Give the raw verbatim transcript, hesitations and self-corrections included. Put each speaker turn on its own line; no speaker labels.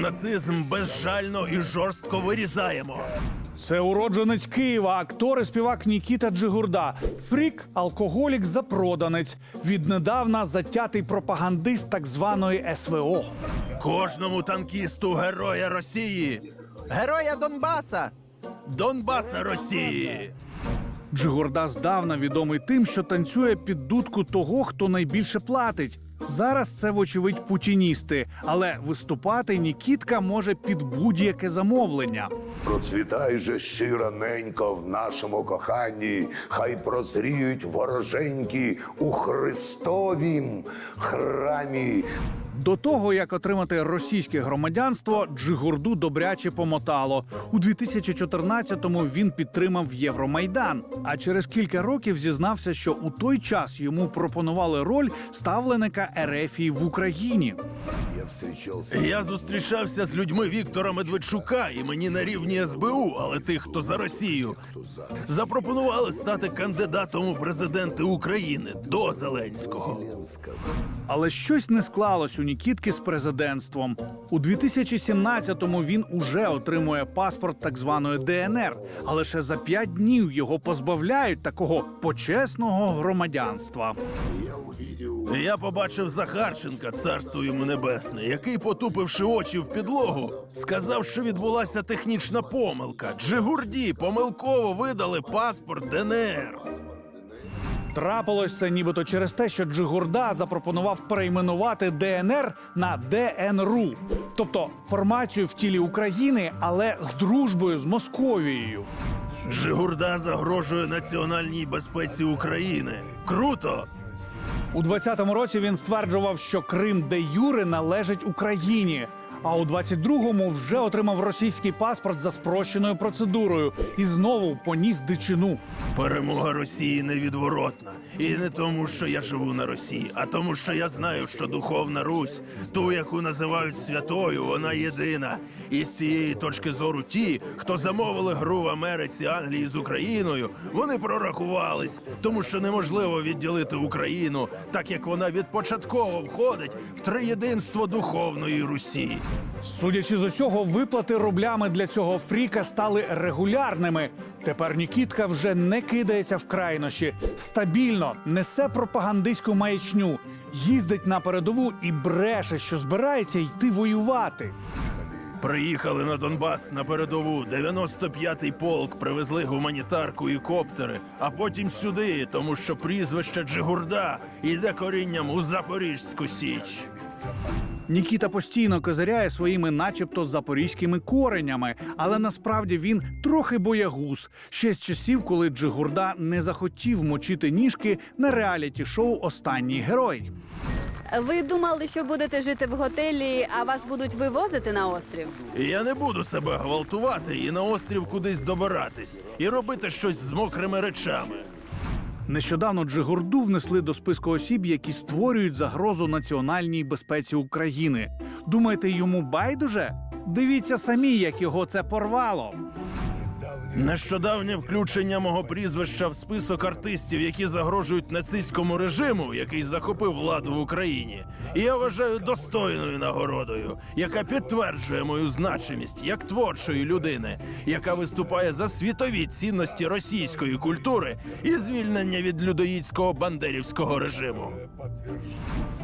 Нацизм безжально і жорстко вирізаємо.
Це уродженець Києва, актор і співак Нікіта Джигурда. Фрік, алкоголік, запроданець. Віднедавна затятий пропагандист так званої ес ве о.
Кожному танкісту героя Росії. Героя Донбаса. Донбаса Росії.
Джигурда здавна відомий тим, що танцює під дудку того, хто найбільше платить. Зараз це, вочевидь, путіністи, але виступати Нікітка може під будь-яке замовлення.
Процвітай же щира ненько в нашому коханні, хай прозріють вороженьки у Христовім храмі.
До того, як отримати російське громадянство, Джигурду добряче помотало. У дві тисячі чотирнадцятому він підтримав Євромайдан, а через кілька років зізнався, що у той час йому пропонували роль ставленика Ерефії в Україні.
Я зустрічався з людьми Віктора Медведчука, і мені на рівні ес бе у, але тих, хто за Росію, запропонували стати кандидатом у президенти України до Зеленського.
Але щось не склалось у Нікітки з президентством. У дві тисячі сімнадцятому він уже отримує паспорт так званої де ен ер, а лише за п'ять днів його позбавляють такого почесного громадянства.
Я побачив Захарченка, царство йому небесне, який, потупивши очі в підлогу, сказав, що відбулася технічна помилка. Джигурді помилково видали паспорт де ен ер.
Трапилось це нібито через те, що Джигурда запропонував перейменувати де ен ер на де ен ру. Тобто формацію в тілі України, але з дружбою з Московією.
Джигурда загрожує національній безпеці України. Круто!
У двадцятому році він стверджував, що Крим де юре належить Україні. А у двадцять другому вже отримав російський паспорт за спрощеною процедурою і знову поніс дичину.
Перемога Росії невідворотна. І не тому, що я живу на Росії, а тому, що я знаю, що духовна Русь, ту, яку називають святою, вона єдина. І з цієї точки зору ті, хто замовили гру в Америці, Англії з Україною, вони прорахувались, тому що неможливо відділити Україну, так як вона відпочатково входить в триєдинство духовної Русі.
Судячи з усього, виплати рублями для цього фріка стали регулярними. Тепер Нікітка вже не кидається в крайнощі. Стабільно несе пропагандистську маячню, їздить на передову і бреше, що збирається йти воювати.
Приїхали на Донбас на передову, дев'яносто п'ятий полк, привезли гуманітарку і коптери, а потім сюди, тому що прізвище Джигурда йде корінням у Запорізьку Січ.
Нікіта постійно козиряє своїми начебто запорізькими коренями, але насправді він трохи боягуз. Ще з часів, коли Джигурда не захотів мочити ніжки на реаліті-шоу «Останній герой».
Ви думали, що будете жити в готелі, а вас будуть вивозити на острів?
Я не буду себе гвалтувати і на острів кудись добиратись, і робити щось з мокрими речами.
Нещодавно Джигурду внесли до списку осіб, які створюють загрозу національній безпеці України. Думаєте, йому байдуже? Дивіться самі, як його це порвало.
Нещодавнє включення мого прізвища в список артистів, які загрожують нацистському режиму, який захопив владу в Україні, і я вважаю достойною нагородою, яка підтверджує мою значимість як творчої людини, яка виступає за світові цінності російської культури і звільнення від людоїдського бандерівського режиму.